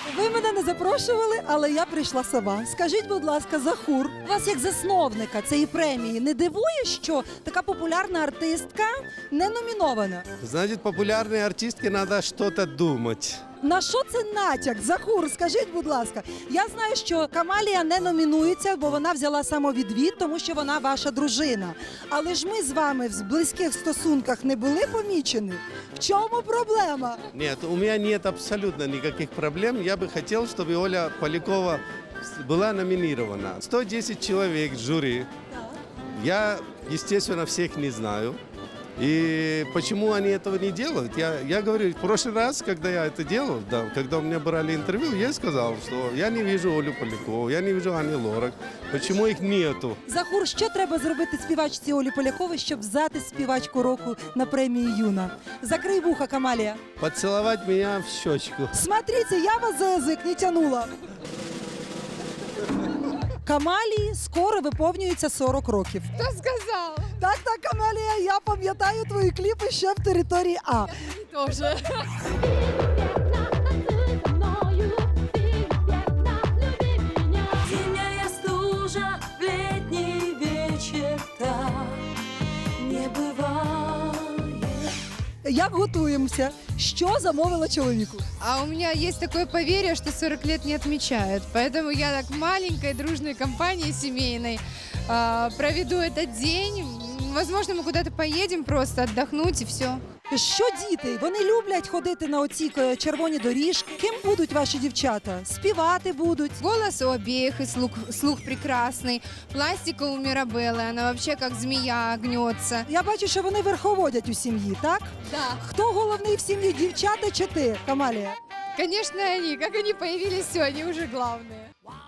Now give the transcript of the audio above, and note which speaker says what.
Speaker 1: Ви мене не запрошували, але я прийшла сама. Скажіть, будь ласка, Захур, вас як засновника цієї премії не дивує, що така популярна артистка не номінована?
Speaker 2: Значит, популярной артистке надо что-то думать.
Speaker 1: На що це натяк? Захур, скажіть, будь ласка. Я знаю, що Камалія не номінується, бо вона взяла самовідвід, тому що вона ваша дружина. Але ж ми з вами в близьких стосунках не були помічені. В чому проблема?
Speaker 2: Нет, у меня нет абсолютно никаких проблем. Я бы хотел, чтобы Оля Полякова была номинирована. 110 человек в жюри. Я, естественно, всех не знаю. И почему они этого не делают? Я говорю, в прошлый раз, когда я это делал, да, когда у меня брали интервью, я сказал, что я не вижу Олю Полякову, я не вижу Ани Лорак. Почему их нету?
Speaker 1: Захур, що треба зробити співачці Олі Поляковій, щоб взяти співачку року на премії Юна? Закрий вуха, Камалія.
Speaker 2: Поцеловать меня в щечку.
Speaker 1: Смотрите, я вас за язик не тянула. Камалії скоро виповнюється 40 років.
Speaker 3: Кто сказал?
Speaker 1: Так, Камалія, я пам'ятаю твої кліпи ще в території А.
Speaker 3: Тоже.
Speaker 4: Зимняя стужа в летний вечер так не бывает.
Speaker 1: Як готуємося? Що замовила чоловіку?
Speaker 3: А у меня есть такое поверье, что 40 лет не отмечают. Поэтому я так маленькой дружной компанией семейной проведу этот день. Возможно, мы куда-то поедем просто отдохнуть и все.
Speaker 1: Що діти? Вони люблять ходити на оці червоні доріжки. Ким будуть ваші дівчата? Співати будуть?
Speaker 3: Голос у обеих и слух прекрасный. Пластика у Мирабеллы, она вообще как змея гнется.
Speaker 1: Я бачу, що вони верховодять у сім'ї, так?
Speaker 3: Да.
Speaker 1: Хто головний в сім'ї, дівчата чи ти, Камалія?
Speaker 3: Конечно, они. Как они появились, все, они уже главные.